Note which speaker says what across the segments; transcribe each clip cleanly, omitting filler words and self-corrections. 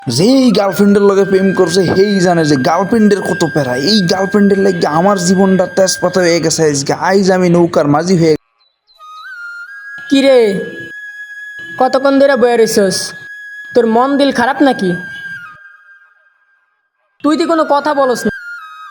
Speaker 1: যেই গার্লফ্রেন্ডের লগে প্রেম করছে সেই জানে যে গার্লফ্রেন্ডের কত প্যারা। এই গার্লফ্রেন্ডের লাগে আমার জীবনটা তেজপাতা হয়ে গেছে। আজকে আইজ আমি নৌকার মাঝি হয়ে।
Speaker 2: কিরে কতক্ষণ ধরে বয়ে রইছস? তোর মন দিল খারাপ নাকি? তুই তো কোনো কথা বলস না।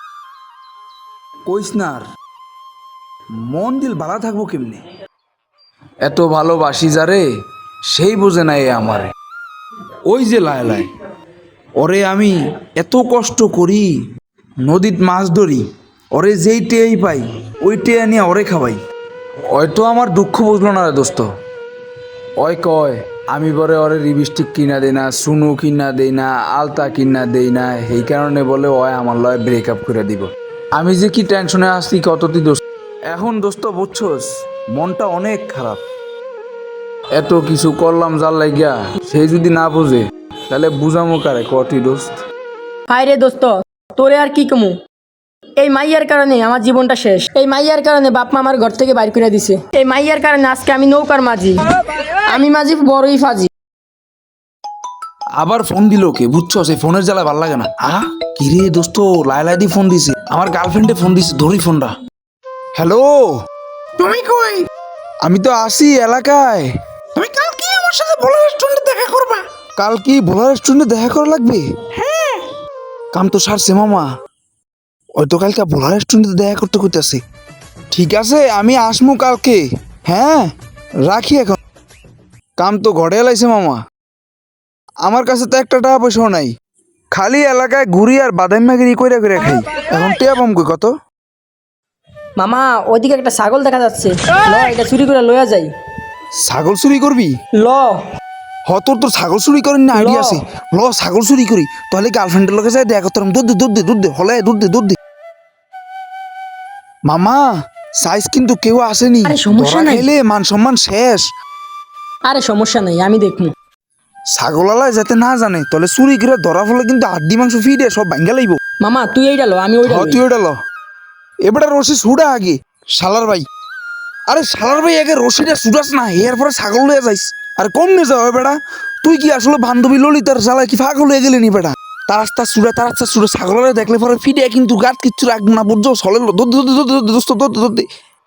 Speaker 1: কইস না আর, মন দিল ভালো থাকবো কেমনে? এত ভালোবাসি যারে সেই বোঝে না এ আমারে। ওই যে লায় লায় ওরে আমি এত কষ্ট করি, নদীত মাছ ধরি, ওরে যেই টেয়াই পাই ওই টেয়া নিয়ে ওরে খাওয়াই। হয়তো আমার দুঃখ বুঝলো না রে দোস্ত। ওই কয় আমি বলে ওরে লিপস্টিক কিনা দেই না, সুনু কিনা দেই না, আলতা কিনা দেই না, এই কারণে বলে ওই আমার লয় ব্রেকআপ করে দিব। আমি যে কি টেনশনে আসছি কত তুই দোস্ত। এখন দোস্ত বুঝছস, মনটা অনেক খারাপ। এত কিছু করলাম যার লাগিয়া, সেই যদি না বুঝে তাহলে বুঝামো কারে কটি দোস্ত।
Speaker 2: হায় রে দোস্ত, তোরে আর কি কমু? এই মাইয়ার কারণে আমার জীবনটা শেষ। এই মাইয়ার কারণে বাপ মা আমার ঘর থেকে বাইর করে দিছে। এই মাইয়ার কারণে আজকে আমি নৌকার মাঝি। আমি মাঝি বড়ই ফাজি।
Speaker 1: আবার ফোন দিল কে বুঝছস? এই ফোনের জ্বালা ভাল লাগে না। কিরে দোস্ত, লাইলাই দি ফোন দিছে, আমার গার্লফ্রেন্ডে ফোন দিছে, ধরি ফোনটা। হ্যালো, তুমি কই? আমি তো আসি এলাকায়। তুমি কাল কি আমার সাথে ভোলা রেস্টুরেন্টে দেখা করবা? কাল কি ভোলা রেস্টুরেন্টে দেখা করা লাগবে? হ্যাঁ, কাম তো সারছে মামা। ওই তো কালকে ভোলা রেস্টুরেন্টে দেখা করতে কইতাছে। ঠিক আছে আমি আসমু কালকে। হ্যাঁ রাখি এখন, কাম তো ঘরে এলাইছে মামা। আমার কাছে তো একটা টাকা পয়সাও নাই, খালি এলাকায় ঘুরি আর বাদাম মাগিরি কইরা কইরা খাই। এখন টিয়া পাম কই কত?
Speaker 2: মামা ওইদিকে একটা ছাগল দেখা যাচ্ছে, ল এটা চুরি করে লইয়া যাই।
Speaker 1: ছাগল চুরি করবি?
Speaker 2: ল
Speaker 1: তোর তোর ছাগল চুরি করেন না আইডিয়া আছে? ল ছাগল চুরি করি, তাহলে গার্লফ্রেন্ডের লগে যাই দেখা করতাম। দুধ দে হলে দুধ দে। মামা সাইজ কিন্তু কেউ আসেনি,
Speaker 2: আরে সমস্যা
Speaker 1: ধরা
Speaker 2: নাই।
Speaker 1: খাইলে মান সম্মান শেষ।
Speaker 2: আরে সমস্যা নাই, আমি দেখবো।
Speaker 1: ছাগলালায় যাতে না জানে, তাহলে চুরি করে ধরা ফলে কিন্তু হাড্ডি মাংস ফিডে সব ভাঙ্গা লাইব।
Speaker 2: মামা তুই এইটা লো, আমি ওইটা লই।
Speaker 1: তুই ওটা ল। এবারে রশি ছুড়া আগে শালার ভাই। আরে শালার ভাই আগে রশিটা ছুটাস না, এরপরে ছাগল লয়ে যাইস। আর কম নিয়ে যাও বেটা, তুই কি আসলে বান্ধবী ললিতার শালা কি পাগল হয়ে গেলি নি বেটা? তার রাস্তা ছুড়ে ছাগলের দেখলে পরে ফিডে কিন্তু গাত কিচ্ছু রাখবো না বুঝছো? সলে দোস্ত।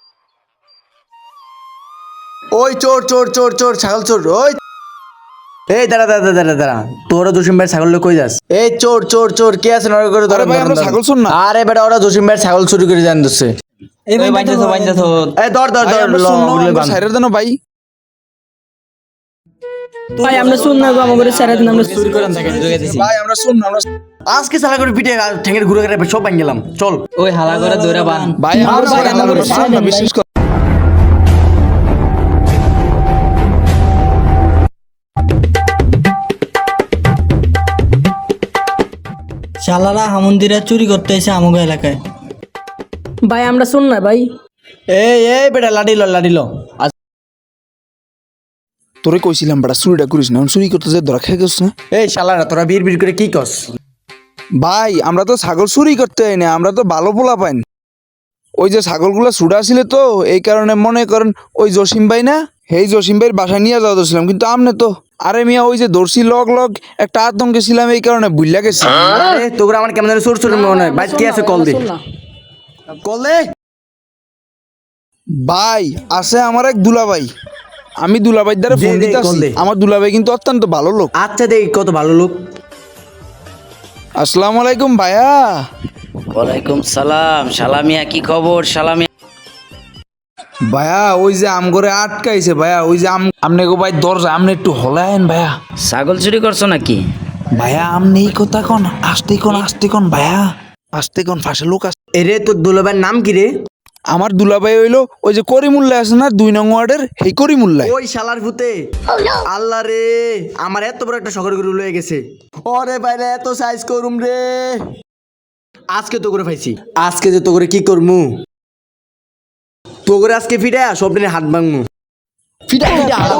Speaker 3: ওই চোর চোর চোর চোর ছাগল চোর। ওই এই দাঁড়া তোরা জসিম ভাই ছাগল কই যাস? এই চোর চোর চোর কে আছে নড়ে করে ধরে
Speaker 1: আরে ভাই, আমরা ছাগল চোর না।
Speaker 3: আরে বেটা ওরা জসিম ভাই ছাগল চুরি করে জান দিচ্ছে।
Speaker 4: এই বাইন্দাছো
Speaker 3: এই ধর ধর
Speaker 1: ভাই,
Speaker 3: ধর
Speaker 1: আমরা
Speaker 3: ল,
Speaker 1: শুনলাম,
Speaker 3: ওগুলো
Speaker 1: আমরা
Speaker 3: বাঁধ।
Speaker 1: সাইরের দেন ভাই।
Speaker 2: ভাই আমরা শুন না গো, আমাদের স্যারের নাম আমরা
Speaker 4: চুরি করেন থাকে জোগে দিছি।
Speaker 1: ভাই আমরা শুনলাম, আমরা
Speaker 3: আজকে সালা করে পিঠে ঠেঙ্গের ঘুরে ঘুরে সব ভাঙ গেলাম। চল
Speaker 4: ওই হালা করে দৌড়া বান।
Speaker 1: ভাই আমরা
Speaker 2: ভাই,
Speaker 1: শুনলাম,
Speaker 2: আমরা
Speaker 1: আমরা শুনলাম,
Speaker 2: শুনলাম,
Speaker 1: বিশ্বাস কর।
Speaker 5: শালারা হামন্দিরা চুরি করতে এসে আমাকে এলাকায়।
Speaker 2: ভাই আমরা শুন না ভাই।
Speaker 3: এই বেটা লাডি ল।
Speaker 1: তোরে কইছিলাম বেটা চুরিটা করিস না, চুরি করতে যে ধরা খেয়ে গেছ না।
Speaker 3: এই শালারা তোরা বিড় করে কি কস?
Speaker 1: ভাই আমরা তো ছাগল চুরি করতে হয় না, আমরা তো ভালো পোলা পাইন। ওই যে ছাগলগুলো ছুটা ছিল তো, এই কারণে মনে করেন ওই জসিম ভাই না, সেই জসিম ভাইয়ের বাসায় নিয়ে যাওয়া ধরছিলাম, কিন্তু আমনে তো আরে মিয়া ওই যে দর্শি লগ একটা আতঙ্কে ছিলাম, এই কারণে ভুলিয়া গেছি।
Speaker 3: আরে তোরা আমার কেমন চোর চোর মনে হয়। ভাই কে আছে কল দে।
Speaker 2: শুন না।
Speaker 3: কল দে।
Speaker 1: ভাই আছে আমার এক দুলাভাই, আমি দুলাভাই দ্বারা ফোন
Speaker 3: দে,
Speaker 1: দিতে
Speaker 3: কল
Speaker 1: আসছি।
Speaker 3: দে।
Speaker 1: আমার দুলাভাই কিন্তু অত্যন্ত ভালো লোক।
Speaker 3: আচ্ছা দেখ কত ভালো লোক।
Speaker 1: আসসালামু আলাইকুম ভাইয়া।
Speaker 6: ওয়ালাইকুম সালাম। সালামিয়া, কি খবর সালামিয়া?
Speaker 1: ভাইয়া ওই যে আম করে আটকাইছে ভাইয়া, ওই যে আমনে গো ভাই দরজা আমনে একটু হলায়েন ভাইয়া।
Speaker 6: ছাগল চুরি করছো নাকি?
Speaker 1: ভাইয়া আমনে এই কথা কোন, আস্তে কোন ভাইয়া, আস্তে কোন, ফাঁসে লোক আছে।
Speaker 3: এরে তোর দুলাভাইয়ের নাম কি রে?
Speaker 1: আমার দুলাভাই হইলো ওই যে করিমুল্লাহ আছে না 2 নং ওয়ার্ডের, সেই করিমুল্লাহ।
Speaker 3: ওই শালার ভূতে। আল্লাহ রে, আমার এত বড় একটা শখের গরু লয়ে গেছে। ওরে বাইরে এত সাইজ করুম রে। আজকে তো করে পাইছি, আজকে যে তো করে কি করমু, তো করে আজকে ফিরে সব দিনে হাত ভাঙমু। ফিটা ফিটা আলো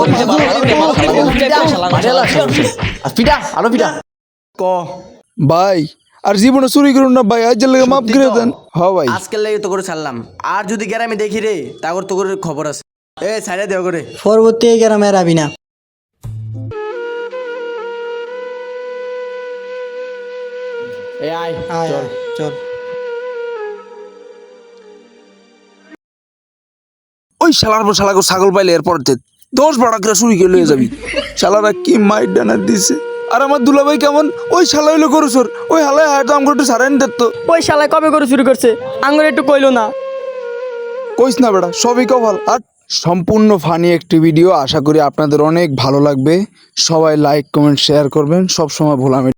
Speaker 3: ফিটা আলো ফিটা ক
Speaker 1: ভাই আর জীবনে চুরি করুন না ভাই, আজ লাগে মাফ করে দেন। হ্যাঁ ভাই,
Speaker 3: আজকের লাগে তো করে ছাড়লাম। আর যদি গ্রামে দেখি রে তারপর তো করে খবর আছে। এ ছাইড়া দেও করে।
Speaker 5: পরবর্তী এই গ্রামে আর আবি না।
Speaker 3: এ আয়
Speaker 5: আয়,
Speaker 3: চল
Speaker 5: চল
Speaker 1: ওই শালার পর শালাকে ছাগল পাইলে এরপর 10-12 করে চুরি করে লয়ে যাবি। শালারা কি মাইর ডানা দিছে। আর আমার দুলাভাই কেমন, ওই শালা হইলো গরুচোর, ওই হালায় হয়তো আমাকে একটু সারাইন দিত।
Speaker 2: ওই শালায় কবে করে শুরু করছে আঙ্গুর একটু কইলো না।
Speaker 1: কইস না বেটা, সবই কপাল। আর সম্পূর্ণ ফানি একটি ভিডিও, আশা করি আপনাদের অনেক ভালো লাগবে। সবাই লাইক কমেন্ট শেয়ার করবেন, সবসময় ভোলামি